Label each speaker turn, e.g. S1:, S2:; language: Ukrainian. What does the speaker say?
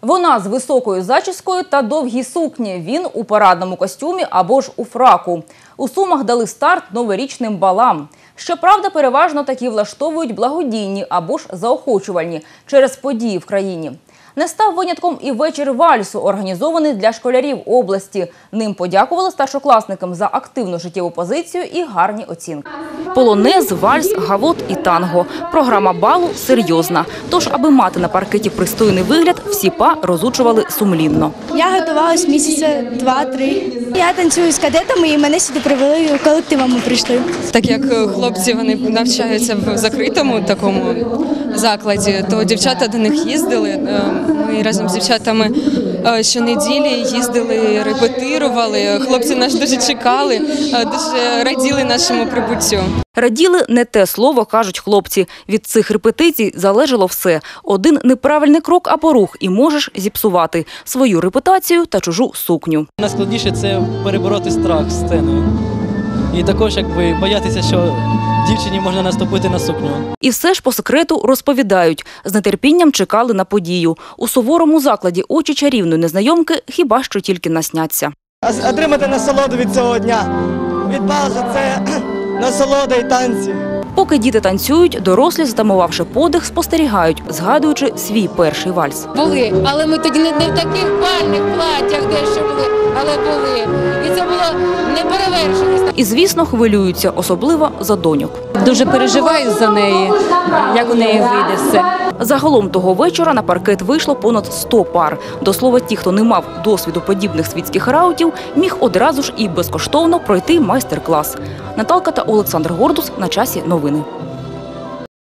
S1: Вона з високою зачіскою та довгій сукні, він у парадному костюмі або ж у фраку. У Сумах дали старт новорічним балам. Щоправда, переважно такі влаштовують благодійні або ж заохочувальні через події в країні. Не став винятком і вечір вальсу, організований для школярів області. Ним подякували старшокласникам за активну життєву позицію і гарні оцінки. Полонез, вальс, гавот і танго. Програма балу серйозна. Тож, аби мати на паркеті пристойний вигляд, всі па розучували сумлінно.
S2: Я готувалась місяця 2-3. Я танцюю з кадетами і мене сюди привели, колективом ми прийшли.
S3: Так як хлопці вони навчаються в закритому такому закладі, то дівчата до них їздили. Ми разом з дівчатами щонеділі їздили, репетирували. Хлопці нас дуже чекали, дуже раділи нашому прибуттю.
S1: Раділи – не те слово, кажуть хлопці. Від цих репетицій залежало все. Один неправильний крок або рух і можеш зіпсувати свою репутацію та чужу сукню.
S4: Найскладніше – це перебороти страх сценою. І також боятися, що дівчині можна наступити на сукню. І
S1: все ж по секрету розповідають. З нетерпінням чекали на подію. У суворому закладі очі чарівної незнайомки хіба що тільки насняться.
S5: Отримати насолоду від цього дня. Від балу – це насолода і танці.
S1: Поки діти танцюють, дорослі, затамувавши подих, спостерігають, згадуючи свій перший вальс.
S6: Були, але ми тоді не в таких бальних платтях дещо були, але були. І це було неперевершеність.
S1: І, звісно, хвилюються, особливо за доньок.
S7: Дуже переживаю за неї, як у неї вийде все.
S1: Загалом того вечора на паркет вийшло понад 100 пар. До слова, ті, хто не мав досвіду подібних світських раутів, міг одразу ж і безкоштовно пройти майстер-клас. Наталка та Олександр Гордус. На часі новини.